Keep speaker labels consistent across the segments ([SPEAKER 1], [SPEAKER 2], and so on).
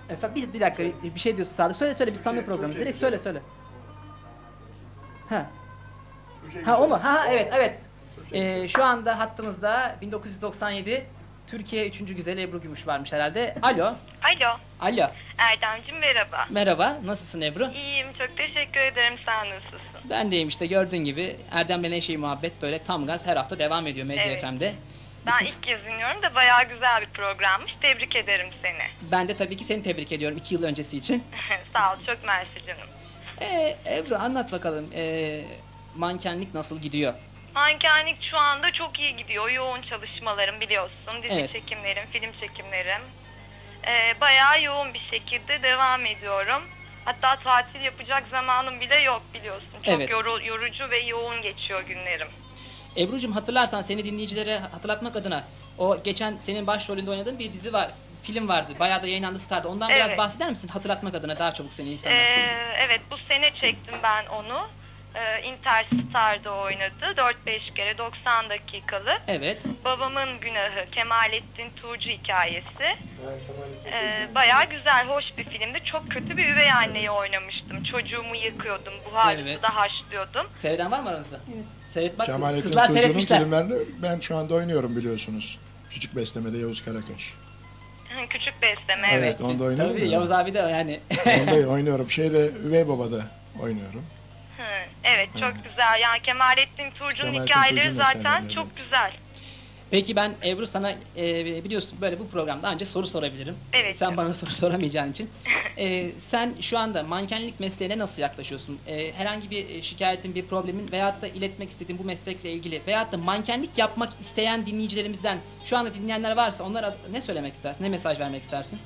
[SPEAKER 1] Efendim bir dakika bir şey diyorsun Sadık. Söyle biz tanıyor programımızı. Direkt söyle. Ha. Ha o mu? Ha evet. Şu anda hattımızda 1997 Türkiye 3. Güzeli Ebru Gümüş varmış herhalde. Alo.
[SPEAKER 2] Alo. Erdemciğim merhaba.
[SPEAKER 1] Merhaba. Nasılsın Ebru?
[SPEAKER 2] İyiyim, çok teşekkür ederim. Sen nasılsın?
[SPEAKER 1] Ben deyim işte gördüğün gibi Erdem'le Neşe Muhabbet böyle tam gaz her hafta devam ediyor Medya
[SPEAKER 2] Evet.
[SPEAKER 1] FM'de.
[SPEAKER 2] Ben ilk kez dinliyorum da bayağı güzel bir programmış. Tebrik ederim seni.
[SPEAKER 1] Ben de tabii ki seni tebrik ediyorum 2 yıl öncesi için.
[SPEAKER 2] Sağ ol, çok mersi canım.
[SPEAKER 1] Ebru anlat bakalım mankenlik nasıl gidiyor?
[SPEAKER 2] Mankenlik şu anda çok iyi gidiyor. Yoğun çalışmalarım biliyorsun. Dizi
[SPEAKER 1] Evet.
[SPEAKER 2] çekimlerim, film çekimlerim. Bayağı yoğun bir şekilde devam ediyorum. Hatta tatil yapacak zamanım bile yok biliyorsun. Çok
[SPEAKER 1] Evet.
[SPEAKER 2] yorucu ve yoğun geçiyor günlerim.
[SPEAKER 1] Ebru'cum hatırlarsan seni dinleyicilere hatırlatmak adına o geçen senin başrolünde oynadığın bir dizi var, film vardı. Bayağı da yayınlandı Star'da. Ondan biraz
[SPEAKER 2] Evet.
[SPEAKER 1] bahseder misin? Hatırlatmak adına daha çabuk seni insanlar.
[SPEAKER 2] Evet, bu sene çektim ben onu. Interstar'da oynadı. 4-5 kere 90 dakikalık.
[SPEAKER 1] Evet.
[SPEAKER 2] Babamın Günahı, Kemalettin Tuğcu hikayesi. Bayağı güzel, hoş bir filmdi. Çok kötü bir üvey anneyi oynamıştım. Çocuğumu yıkıyordum, buharlı
[SPEAKER 1] Evet.
[SPEAKER 2] suda haşlıyordum.
[SPEAKER 1] Seyreden var mı aranızda? Evet. Bak
[SPEAKER 3] Kemalettin
[SPEAKER 1] kızlar
[SPEAKER 3] Tuğcu'nun
[SPEAKER 1] seyretmişler.
[SPEAKER 3] filmlerini ben şu anda oynuyorum biliyorsunuz. Küçük Besleme'de Yavuz Karakaş.
[SPEAKER 2] Küçük besleme, evet.
[SPEAKER 3] Evet, onda oynuyorum.
[SPEAKER 1] Tabii
[SPEAKER 3] ya.
[SPEAKER 1] Yavuz abi de yani.
[SPEAKER 3] Onda oynuyorum. Üvey Baba'da oynuyorum.
[SPEAKER 2] Evet, çok güzel. Yani Kemalettin Tuğcu'nun
[SPEAKER 3] Kemalettin
[SPEAKER 2] hikayeleri
[SPEAKER 3] Tuğcu'nun
[SPEAKER 2] zaten
[SPEAKER 3] eserleri,
[SPEAKER 2] çok
[SPEAKER 3] evet.
[SPEAKER 2] güzel.
[SPEAKER 1] Peki ben Ebru sana biliyorsun böyle bu programda ancak soru sorabilirim.
[SPEAKER 2] Evet.
[SPEAKER 1] Sen bana soru soramayacağın için. Sen şu anda mankenlik mesleğine nasıl yaklaşıyorsun? Herhangi bir şikayetin, bir problemin veyahut da iletmek istediğin bu meslekle ilgili veyahut da mankenlik yapmak isteyen dinleyicilerimizden şu anda dinleyenler varsa onlara ne söylemek istersin? Ne mesaj vermek istersin?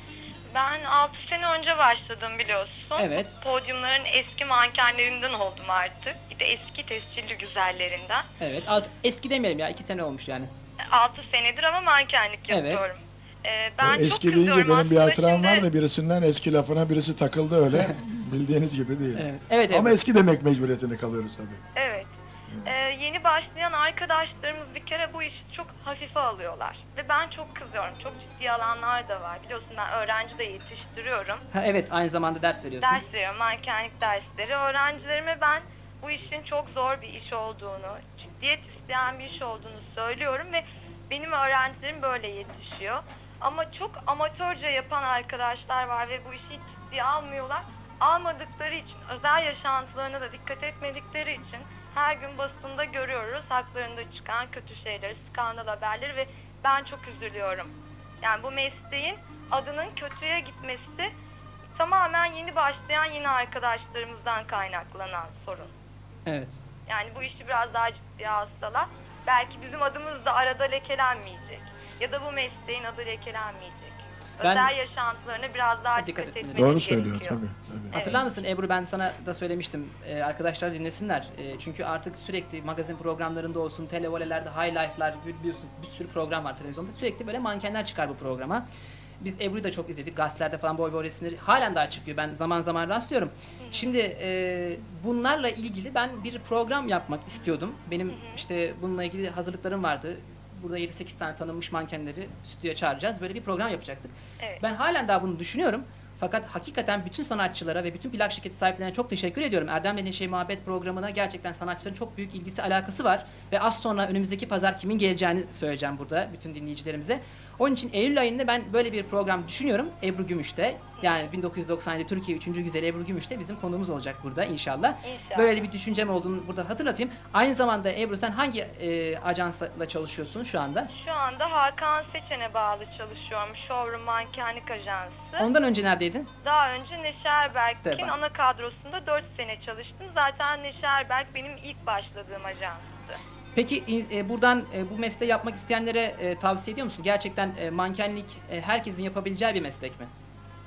[SPEAKER 2] Ben 6 sene önce başladım biliyorsun.
[SPEAKER 1] Evet.
[SPEAKER 2] Podyumların eski mankenlerinden oldum artık. Bir de eski tescilli güzellerinden.
[SPEAKER 1] Evet. Eski demeyelim ya 2 sene olmuş yani.
[SPEAKER 2] 6 senedir ama mankenlik
[SPEAKER 1] Evet.
[SPEAKER 2] yapıyorum.
[SPEAKER 3] O
[SPEAKER 2] Ben çok
[SPEAKER 3] eski deyince
[SPEAKER 2] kızıyorum
[SPEAKER 3] benim bir
[SPEAKER 2] aslında
[SPEAKER 3] hatıram
[SPEAKER 2] şimdi.
[SPEAKER 3] var da birisinden eski lafına birisi takıldı öyle. Bildiğiniz gibi değil.
[SPEAKER 1] Evet.
[SPEAKER 3] Ama
[SPEAKER 1] Ebru.
[SPEAKER 3] eski demek mecburiyetinde kalıyoruz tabii.
[SPEAKER 2] Evet. Yeni başlayan arkadaşlarımız bir kere bu işi çok hafife alıyorlar. Ve ben çok kızıyorum. Çok ciddi alanlar da var. Biliyorsun ben öğrenci de yetiştiriyorum.
[SPEAKER 1] Ha, evet aynı zamanda ders veriyorsun.
[SPEAKER 2] Ders veriyorum, mankenlik dersleri. Öğrencilerime ben bu işin çok zor bir iş olduğunu, ciddiyet isteyen bir iş olduğunu söylüyorum ve benim öğrencilerim böyle yetişiyor. Ama çok amatörce yapan arkadaşlar var ve bu işi hiç ciddiye almıyorlar. Almadıkları için, özel yaşantılarına da dikkat etmedikleri için her gün basında görüyoruz haklarında çıkan kötü şeyleri, skandal haberleri ve ben çok üzülüyorum. Yani bu mesleğin adının kötüye gitmesi tamamen yeni başlayan yeni arkadaşlarımızdan kaynaklanan sorun.
[SPEAKER 1] Evet.
[SPEAKER 2] Yani bu işi biraz daha ciddiye alsalar belki bizim adımız da arada lekelenmeyecek. Ya da bu mesleğin adı lekelenmeyecek. Özel yaşantılarına biraz daha
[SPEAKER 1] Dikkat
[SPEAKER 2] dikkat
[SPEAKER 1] etmeli.
[SPEAKER 2] etmemiz
[SPEAKER 3] Doğru söylüyor
[SPEAKER 2] gerekiyor.
[SPEAKER 3] tabii.
[SPEAKER 2] Evet.
[SPEAKER 1] Hatırlar mısın Ebru, ben sana da söylemiştim, arkadaşlar dinlesinler. Çünkü artık sürekli magazin programlarında olsun, televolelerde, High Life'lar, biliyorsun bir sürü program var televizyonda. Sürekli böyle mankenler çıkar bu programa. Biz Ebru'yu da çok izledik. Gazetelerde falan boy boy resimleri halen daha çıkıyor. Ben zaman zaman rastlıyorum. Şimdi bunlarla ilgili ben bir program yapmak istiyordum. Benim işte bununla ilgili hazırlıklarım vardı. Burada 7-8 tane tanınmış mankenleri stüdyoya çağıracağız. Böyle bir program yapacaktık.
[SPEAKER 2] Evet.
[SPEAKER 1] Ben halen daha bunu düşünüyorum. Fakat hakikaten bütün sanatçılara ve bütün plak şirketi sahiplerine çok teşekkür ediyorum. Erdem'le Neşe Muhabbet programına gerçekten sanatçıların çok büyük ilgisi, alakası var. Ve az sonra önümüzdeki pazar kimin geleceğini söyleyeceğim burada bütün dinleyicilerimize. Onun için Eylül ayında ben böyle bir program düşünüyorum. Ebru Gümüş'te, yani 1997 Türkiye 3. Güzeli Ebru Gümüş'te bizim konuğumuz olacak burada inşallah.
[SPEAKER 2] İnşallah.
[SPEAKER 1] Böyle bir düşüncem olduğunu burada hatırlatayım. Aynı zamanda Ebru, sen hangi ajansla çalışıyorsun şu anda?
[SPEAKER 2] Şu anda Hakan Seçen'e bağlı çalışıyorum. Showroom Mankenlik Ajansı.
[SPEAKER 1] Ondan önce neredeydin?
[SPEAKER 2] Daha önce Neşe Erberk'in
[SPEAKER 1] Devam.
[SPEAKER 2] ana kadrosunda 4 sene çalıştım. Zaten Neşe Erberk benim ilk başladığım ajanstı.
[SPEAKER 1] Peki buradan bu mesleği yapmak isteyenlere tavsiye ediyor musun? Gerçekten mankenlik herkesin yapabileceği bir meslek mi?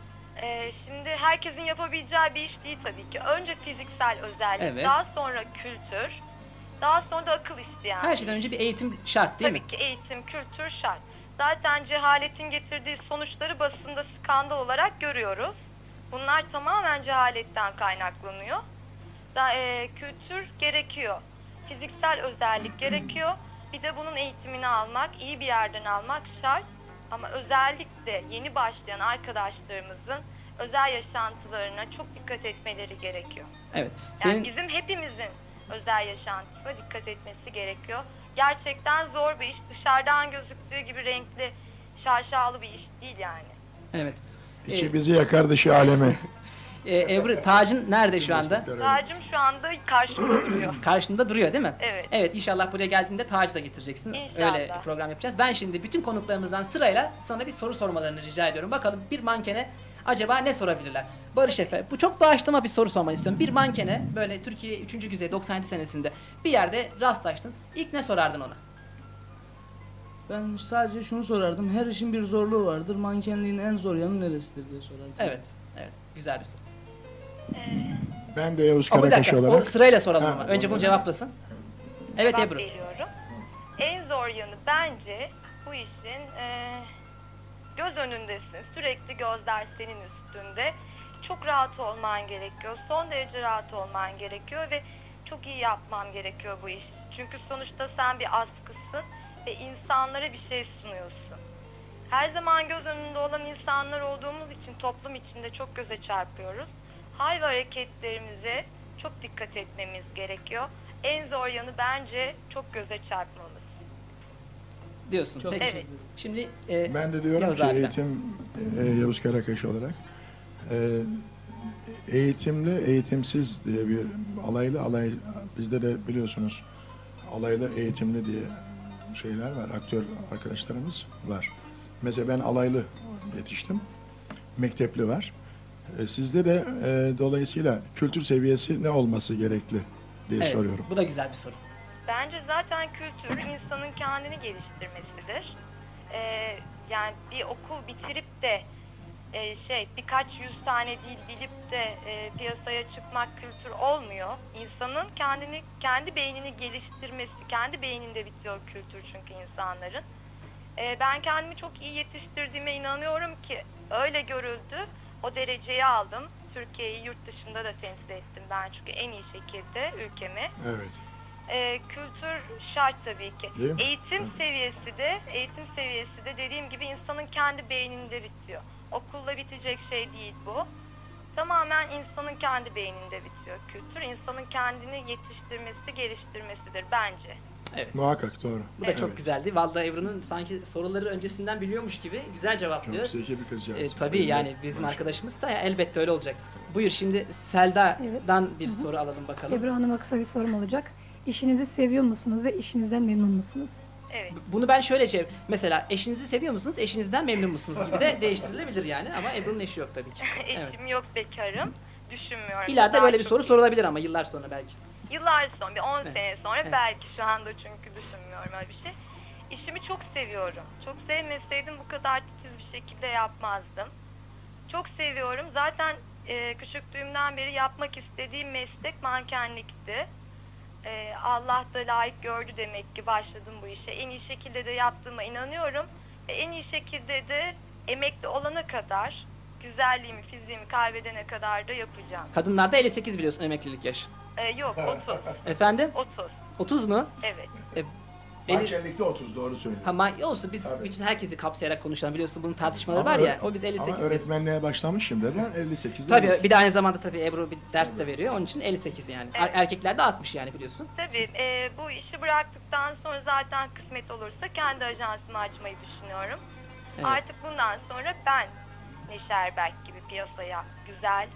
[SPEAKER 2] Şimdi herkesin yapabileceği bir iş değil tabii ki. Önce fiziksel özellik,
[SPEAKER 1] Evet.
[SPEAKER 2] daha sonra kültür, daha sonra da akıl isteyen.
[SPEAKER 1] Her şeyden önce bir eğitim şart değil mi?
[SPEAKER 2] Tabii ki eğitim, kültür şart. Zaten cehaletin getirdiği sonuçları basında skandal olarak görüyoruz. Bunlar tamamen cehaletten kaynaklanıyor. Kültür gerekiyor. Fiziksel özellik gerekiyor. Bir de bunun eğitimini almak, iyi bir yerden almak şart. Ama özellikle yeni başlayan arkadaşlarımızın özel yaşantılarına çok dikkat etmeleri gerekiyor.
[SPEAKER 1] Evet.
[SPEAKER 2] Yani bizim hepimizin özel yaşantısına dikkat etmesi gerekiyor. Gerçekten zor bir iş. Dışarıdan gözüktüğü gibi renkli, şaşalı bir iş değil yani.
[SPEAKER 1] Evet.
[SPEAKER 3] İçi bizi yakar, dışı alemi.
[SPEAKER 1] Ebru, tacın nerede şu anda?
[SPEAKER 2] Tacım şu anda karşımda duruyor.
[SPEAKER 1] Karşında duruyor değil mi?
[SPEAKER 2] Evet.
[SPEAKER 1] Evet, inşallah buraya geldiğinde tacı da getireceksin.
[SPEAKER 2] İnşallah.
[SPEAKER 1] Öyle program yapacağız. Ben şimdi bütün konuklarımızdan sırayla sana bir soru sormalarını rica ediyorum. Bakalım bir mankene acaba ne sorabilirler? Barış Efe, bu çok doğaçlama bir soru sormanı istiyorum. Bir mankene böyle Türkiye 3. Güzey 97 senesinde bir yerde rastlaştın. İlk ne sorardın ona?
[SPEAKER 4] Ben sadece şunu sorardım. Her işin bir zorluğu vardır. Mankenliğin en zor yanı neresidir diye sorardım.
[SPEAKER 1] Evet, evet. Güzel bir soru.
[SPEAKER 3] Ben de Yavuz
[SPEAKER 1] Ama bir
[SPEAKER 3] Karakaş
[SPEAKER 1] dakika, o
[SPEAKER 3] olarak.
[SPEAKER 1] sırayla soralım
[SPEAKER 3] Ha,
[SPEAKER 1] ama. Önce bunu
[SPEAKER 3] doğru.
[SPEAKER 1] cevaplasın. Evet
[SPEAKER 2] Cevap
[SPEAKER 1] Ebru.
[SPEAKER 2] veriyorum. En zor yanı bence bu işin göz önündesin. Sürekli gözler senin üstünde. Çok rahat olman gerekiyor. Son derece rahat olman gerekiyor ve çok iyi yapman gerekiyor bu iş. Çünkü sonuçta sen bir askısın ve insanlara bir şey sunuyorsun. Her zaman göz önünde olan insanlar olduğumuz için toplum içinde çok göze çarpıyoruz. Hal ve hareketlerimize çok dikkat etmemiz gerekiyor. En zor yanı bence çok göze çarpmamız.
[SPEAKER 1] Diyorsun.
[SPEAKER 4] Çok
[SPEAKER 1] Peki.
[SPEAKER 2] Evet.
[SPEAKER 1] Şimdi
[SPEAKER 3] Ben de diyorum
[SPEAKER 1] Yavuz
[SPEAKER 3] ki
[SPEAKER 1] abi.
[SPEAKER 3] Yavuz Karakaş olarak eğitimli, eğitimsiz diye bir alaylı, alay bizde de biliyorsunuz alaylı, eğitimli diye şeyler var. Aktör arkadaşlarımız var. Mesela ben alaylı yetiştim. Mektepli var. Sizde de dolayısıyla kültür seviyesi ne olması gerekli diye
[SPEAKER 1] evet,
[SPEAKER 3] soruyorum.
[SPEAKER 1] bu da güzel bir soru.
[SPEAKER 2] Bence zaten kültür insanın kendini geliştirmesidir. Yani bir okul bitirip de birkaç yüz tane dil bilip de piyasaya çıkmak kültür olmuyor. İnsanın kendi beynini geliştirmesi, kendi beyninde bitiyor kültür çünkü insanların. Ben kendimi çok iyi yetiştirdiğime inanıyorum ki öyle görüldü. O dereceyi aldım. Türkiye'yi yurt dışında da temsil ettim ben çünkü en iyi şekilde ülkemi.
[SPEAKER 3] Evet.
[SPEAKER 2] Kültür şart tabii ki.
[SPEAKER 3] Değil mi?
[SPEAKER 2] Eğitim seviyesi de dediğim gibi insanın kendi beyninde bitiyor. Okulla bitecek şey değil bu. Tamamen insanın kendi beyninde bitiyor kültür. İnsanın kendini yetiştirmesi, geliştirmesidir bence.
[SPEAKER 1] Evet.
[SPEAKER 3] Muhakkak doğru.
[SPEAKER 1] Bu da
[SPEAKER 3] Evet.
[SPEAKER 1] çok güzeldi. Vallahi Ebru'nun sanki soruları öncesinden biliyormuş gibi güzel cevaplıyor.
[SPEAKER 3] Çok zeki bir kızcağız.
[SPEAKER 1] Tabii yani bizim arkadaşımızsa elbette öyle olacak. Buyur şimdi Selda'dan bir soru alalım bakalım.
[SPEAKER 5] Ebru Hanım'a kısa bir sorum olacak. İşinizi seviyor musunuz ve işinizden memnun musunuz?
[SPEAKER 2] Evet.
[SPEAKER 1] Bunu ben şöyle mesela eşinizi seviyor musunuz, eşinizden memnun musunuz gibi de değiştirilebilir yani ama Ebru'nun eşi yok tabii ki. Evet.
[SPEAKER 2] Eşim yok, bekarım. Düşünmüyorum.
[SPEAKER 1] İleride
[SPEAKER 2] Daha
[SPEAKER 1] böyle bir
[SPEAKER 2] çok
[SPEAKER 1] soru
[SPEAKER 2] iyi.
[SPEAKER 1] sorulabilir ama yıllar sonra belki.
[SPEAKER 2] Yıllar sonra, bir 10
[SPEAKER 1] Evet.
[SPEAKER 2] sene sonra
[SPEAKER 1] Evet.
[SPEAKER 2] belki şu anda çünkü düşünmüyorum öyle bir şey. İşimi çok seviyorum. Çok sevmeseydim bu kadar titiz bir şekilde yapmazdım. Çok seviyorum. Zaten küçüklüğümden beri yapmak istediğim meslek mankenlikti. Allah da layık gördü demek ki başladım bu işe. En iyi şekilde de yaptığıma inanıyorum. Ve en iyi şekilde de emekli olana kadar, güzelliğimi, fiziğimi kaybedene kadar da yapacağım.
[SPEAKER 1] Kadınlarda 58 biliyorsun emeklilik yaşı.
[SPEAKER 2] Yok 30.
[SPEAKER 1] Efendim?
[SPEAKER 2] 30.
[SPEAKER 1] 30 mu?
[SPEAKER 2] Evet.
[SPEAKER 3] Mankenlikte 30 doğru söylüyor.
[SPEAKER 1] Olsun biz
[SPEAKER 3] Tabii.
[SPEAKER 1] bütün herkesi kapsayarak konuşalım biliyorsun bunun tartışmaları
[SPEAKER 3] Ama
[SPEAKER 1] var ya
[SPEAKER 3] öğ-
[SPEAKER 1] o biz 58
[SPEAKER 3] Ama öğretmenliğe başlamış şimdi de 58'de.
[SPEAKER 1] Tabii bir de aynı zamanda tabii Ebru bir ders de veriyor onun için 58 yani.
[SPEAKER 2] Evet.
[SPEAKER 1] Erkeklerde 60 yani biliyorsun.
[SPEAKER 2] Tabii bu işi bıraktıktan sonra zaten kısmet olursa kendi ajansımı açmayı düşünüyorum.
[SPEAKER 1] Evet.
[SPEAKER 2] Artık bundan sonra ben Neşe Erberk gibi piyasaya güzel,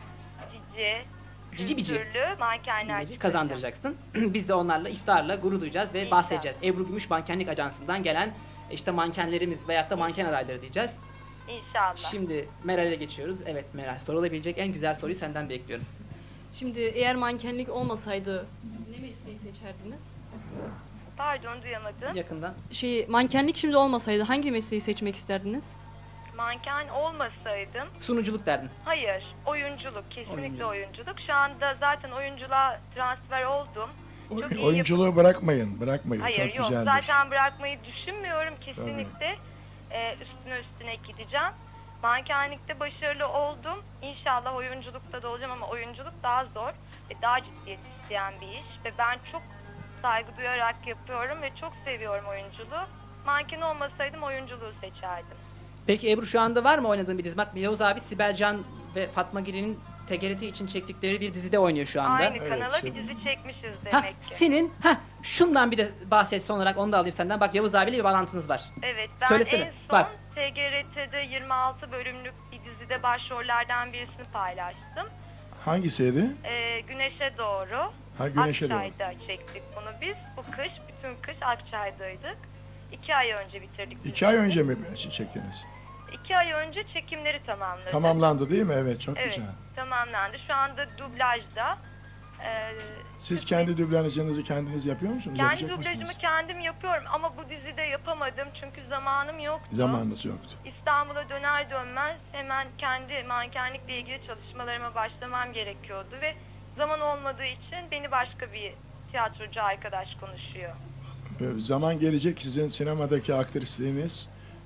[SPEAKER 1] Cici bici.
[SPEAKER 2] kültürlü mankenler
[SPEAKER 1] Bilmece
[SPEAKER 2] çıkaracağım.
[SPEAKER 1] kazandıracaksın. Biz de onlarla iftarla gurur duyacağız ve
[SPEAKER 2] İnşallah.
[SPEAKER 1] bahsedeceğiz. Ebru Gümüş Mankenlik Ajansı'ndan gelen işte mankenlerimiz veyahut da manken adayları diyeceğiz.
[SPEAKER 2] İnşallah.
[SPEAKER 1] Şimdi Meral'e geçiyoruz. Evet Meral sorulabilecek en güzel soruyu senden bekliyorum.
[SPEAKER 6] Şimdi eğer mankenlik olmasaydı ne mesleği seçerdiniz?
[SPEAKER 2] Pardon duyamadım.
[SPEAKER 1] Yakından.
[SPEAKER 6] Mankenlik şimdi olmasaydı hangi mesleği seçmek isterdiniz?
[SPEAKER 2] Manken olmasaydım,
[SPEAKER 1] Sunuculuk derdin.
[SPEAKER 2] hayır, oyunculuk, kesinlikle
[SPEAKER 1] Oyunculuk.
[SPEAKER 2] oyunculuk. Şu anda zaten oyunculuğa transfer oldum. Çok iyi
[SPEAKER 3] Oyunculuğu bırakmayın.
[SPEAKER 2] Hayır
[SPEAKER 3] Çok
[SPEAKER 2] yok,
[SPEAKER 3] güzeldir.
[SPEAKER 2] zaten bırakmayı düşünmüyorum kesinlikle. Üstüne gideceğim. Mankenlikte başarılı oldum. İnşallah oyunculukta da olacağım ama oyunculuk daha zor ve daha ciddiyet isteyen bir iş. Ve ben çok saygı duyarak yapıyorum ve çok seviyorum oyunculuğu. Manken olmasaydım oyunculuğu seçerdim.
[SPEAKER 1] Peki Ebru, şu anda var mı oynadığın bir dizi? Bak, Yavuz abi Sibel Can ve Fatma Giri'nin TGRT için çektikleri bir dizide oynuyor şu anda.
[SPEAKER 2] Aynı
[SPEAKER 3] Evet,
[SPEAKER 2] kanala
[SPEAKER 3] şimdi-
[SPEAKER 2] bir dizi çekmişiz
[SPEAKER 1] Ha,
[SPEAKER 2] demek ki.
[SPEAKER 1] senin şundan bir de bahset son olarak, onu da alayım senden. Bak, Yavuz abiyle bir bağlantınız var.
[SPEAKER 2] Evet, ben
[SPEAKER 1] Söylesene,
[SPEAKER 2] en son
[SPEAKER 1] bak.
[SPEAKER 2] TGRT'de 26 bölümlük bir dizide başrollerden birisini paylaştım.
[SPEAKER 3] Hangisiydi?
[SPEAKER 2] Güneşe doğru.
[SPEAKER 3] Ha, Güneşe Doğru.
[SPEAKER 2] Akçay'da çektik bunu biz. Bu kış, bütün kış Akçay'daydık. 2 ay önce bitirdik.
[SPEAKER 3] 2 ay önce mi çektiniz?
[SPEAKER 2] 2 ay önce çekimleri tamamladık.
[SPEAKER 3] Tamamlandı değil mi? Evet, çok
[SPEAKER 2] Evet,
[SPEAKER 3] güzel.
[SPEAKER 2] tamamlandı. Şu anda dublajda.
[SPEAKER 3] Siz kendi dublajınızı kendiniz yapıyor musunuz?
[SPEAKER 2] Kendi
[SPEAKER 3] Yapacak
[SPEAKER 2] dublajımı
[SPEAKER 3] mısınız?
[SPEAKER 2] kendim yapıyorum ama bu dizide yapamadım çünkü zamanım yoktu.
[SPEAKER 3] Zamanınız yoktu.
[SPEAKER 2] İstanbul'a döner dönmez hemen kendi mankenlikle ilgili çalışmalarıma başlamam gerekiyordu ve zaman olmadığı için beni başka bir tiyatrocu arkadaş konuşuyor.
[SPEAKER 3] Zaman gelecek, sizin sinemadaki aktrisliğiniz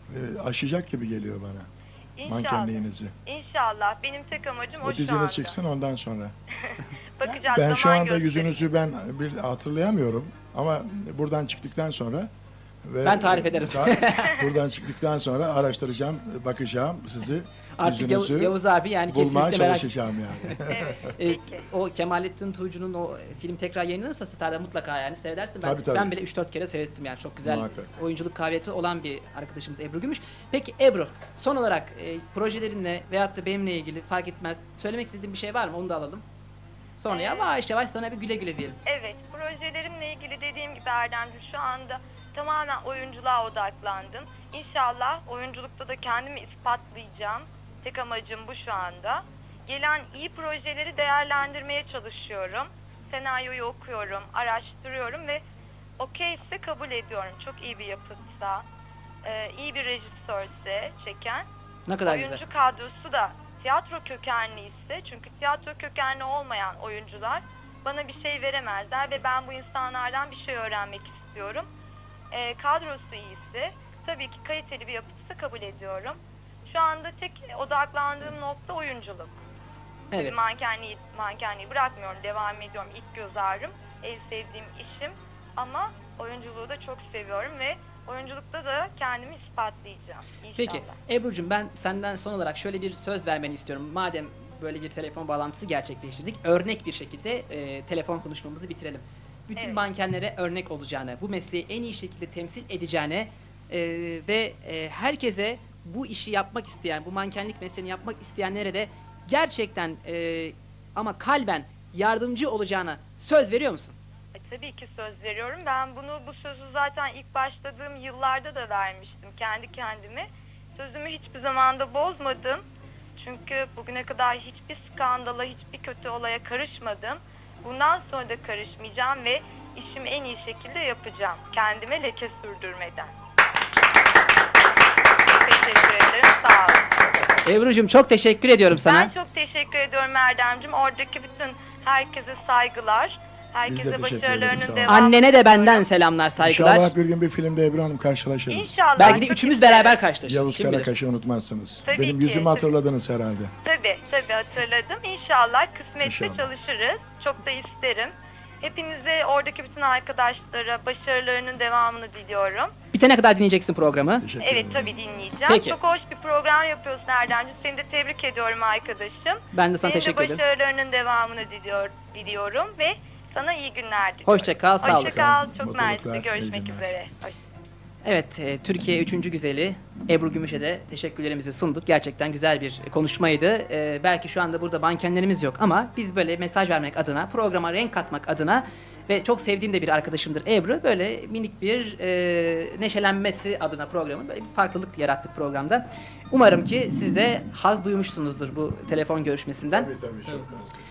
[SPEAKER 3] aşacak gibi geliyor bana.
[SPEAKER 2] İnşallah.
[SPEAKER 3] Mankenliğinizi.
[SPEAKER 2] İnşallah. Benim tek amacım o
[SPEAKER 3] O
[SPEAKER 2] şu
[SPEAKER 3] diziniz
[SPEAKER 2] anda.
[SPEAKER 3] çıksın, ondan sonra.
[SPEAKER 2] Bakacağız,
[SPEAKER 3] Ben şu
[SPEAKER 2] zaman
[SPEAKER 3] anda
[SPEAKER 2] gösterecek.
[SPEAKER 3] yüzünüzü ben bir hatırlayamıyorum ama buradan çıktıktan sonra ve
[SPEAKER 1] Ben tarif ederim.
[SPEAKER 3] buradan çıktıktan sonra araştıracağım, bakacağım sizi,
[SPEAKER 1] Artık
[SPEAKER 3] yüzünüzü
[SPEAKER 1] Yavuz abi yani
[SPEAKER 3] bulmaya
[SPEAKER 1] kesinlikle merak.
[SPEAKER 3] çalışacağım yani.
[SPEAKER 2] Evet,
[SPEAKER 1] Evet,
[SPEAKER 2] peki.
[SPEAKER 1] o Kemalettin Tuğcu'nun o film tekrar yayınlanırsa Star'da mutlaka yani seyredersin.
[SPEAKER 3] Tabii, tabii.
[SPEAKER 1] Ben bile 3-4 kere seyrettim yani, çok güzel
[SPEAKER 3] Muhakkak.
[SPEAKER 1] oyunculuk kabiliyeti olan bir arkadaşımız Ebru Gümüş. Peki Ebru, son olarak projelerinle veyahut da benimle ilgili fark etmez, söylemek istediğin bir şey var mı? Onu da alalım. Sonra yavaş yavaş sana bir güle güle diyelim.
[SPEAKER 2] Evet, projelerimle ilgili dediğim gibi Erdemciğim şu anda tamamen oyunculuğa odaklandım. İnşallah oyunculukta da kendimi ispatlayacağım. Tek amacım bu şu anda. Gelen iyi projeleri değerlendirmeye çalışıyorum. Senaryoyu okuyorum, araştırıyorum ve okeyse kabul ediyorum. Çok iyi bir yapıtsa, iyi bir rejisörse çeken.
[SPEAKER 1] Ne kadar
[SPEAKER 2] Oyuncu
[SPEAKER 1] güzel.
[SPEAKER 2] kadrosu da tiyatro kökenli ise, çünkü tiyatro kökenli olmayan oyuncular bana bir şey veremezler ve ben bu insanlardan bir şey öğrenmek istiyorum. Kadrosu iyiyse, tabii ki kaliteli bir yapıtsa kabul ediyorum. Şu anda tek odaklandığım nokta oyunculuk.
[SPEAKER 1] Evet.
[SPEAKER 2] Mankenliği bırakmıyorum, devam ediyorum. İlk göz ağrım, en sevdiğim işim ama oyunculuğu da çok seviyorum ve oyunculukta da kendimi ispatlayacağım inşallah.
[SPEAKER 1] Peki Ebru'cum, ben senden son olarak şöyle bir söz vermeni istiyorum. Madem böyle bir telefon bağlantısı gerçekleştirdik, örnek bir şekilde telefon konuşmamızı bitirelim. Bütün
[SPEAKER 2] Evet.
[SPEAKER 1] mankenlere örnek olacağını, bu mesleği en iyi şekilde temsil edeceğine ve herkese bu işi yapmak isteyen, bu mankenlik mesleğini yapmak isteyenlere de gerçekten ama kalben yardımcı olacağına söz veriyor musun?
[SPEAKER 2] Tabii ki söz veriyorum. Ben bu sözü zaten ilk başladığım yıllarda da vermiştim kendi kendime. Sözümü hiçbir zamanda bozmadım. Çünkü bugüne kadar hiçbir skandala, hiçbir kötü olaya karışmadım. Bundan sonra da karışmayacağım ve işimi en iyi şekilde yapacağım. Kendime leke sürdürmeden. Çok teşekkür ederim. Sağ olun.
[SPEAKER 1] Ebru'cum, çok teşekkür ediyorum sana.
[SPEAKER 2] Ben çok teşekkür ediyorum Erdemciğim. Oradaki bütün herkese saygılar. Herkese
[SPEAKER 3] teşekkür ederiz, sağ
[SPEAKER 2] başarılarının
[SPEAKER 3] olun.
[SPEAKER 2] devamını
[SPEAKER 1] Annene de benden
[SPEAKER 2] diliyorum.
[SPEAKER 1] selamlar, saygılar.
[SPEAKER 3] İnşallah bir gün bir filmde Ebru Hanım karşılaşırız.
[SPEAKER 2] İnşallah.
[SPEAKER 1] Belki de
[SPEAKER 2] Çok
[SPEAKER 1] üçümüz
[SPEAKER 2] isterim.
[SPEAKER 1] beraber karşılaşırız.
[SPEAKER 3] Yavuz
[SPEAKER 1] kim bilir?
[SPEAKER 3] Karakaş'ı unutmazsınız.
[SPEAKER 2] Tabii
[SPEAKER 3] Benim
[SPEAKER 2] ki,
[SPEAKER 3] yüzümü
[SPEAKER 2] tabii.
[SPEAKER 3] hatırladınız herhalde.
[SPEAKER 2] Tabii hatırladım. İnşallah kısmetse
[SPEAKER 3] İnşallah.
[SPEAKER 2] çalışırız. Çok da isterim. Hepinize, oradaki bütün arkadaşlara başarılarının devamını diliyorum.
[SPEAKER 1] Bitene kadar dinleyeceksin programı.
[SPEAKER 3] Teşekkür
[SPEAKER 2] Evet,
[SPEAKER 3] ederim.
[SPEAKER 2] tabii dinleyeceğim.
[SPEAKER 1] Peki.
[SPEAKER 2] Çok hoş bir program yapıyorsun Erdemciğim. Seni de tebrik ediyorum arkadaşım.
[SPEAKER 1] Ben de sana
[SPEAKER 2] Senin
[SPEAKER 1] teşekkür
[SPEAKER 2] de
[SPEAKER 1] ederim.
[SPEAKER 2] başarılarının devamını diliyorum ve sana iyi günler diliyorum.
[SPEAKER 1] Hoşça kal, sağ
[SPEAKER 2] Hoşça
[SPEAKER 1] olasın.
[SPEAKER 2] kal. Çok
[SPEAKER 3] Mutluluklar,
[SPEAKER 2] mersi.
[SPEAKER 3] iyi
[SPEAKER 2] Görüşmek
[SPEAKER 3] günler.
[SPEAKER 2] üzere.
[SPEAKER 1] Evet, Türkiye 3. güzeli Ebru Gümüş'e de teşekkürlerimizi sunduk. Gerçekten güzel bir konuşmaydı. Belki şu anda burada mankenlerimiz yok ama biz böyle mesaj vermek adına, programa renk katmak adına ve çok sevdiğim de bir arkadaşımdır Ebru, böyle minik bir neşelenmesi adına programın böyle bir farklılık yarattık programda. Umarım ki siz de haz duymuşsunuzdur bu telefon görüşmesinden.
[SPEAKER 3] Tabii, çok fazla.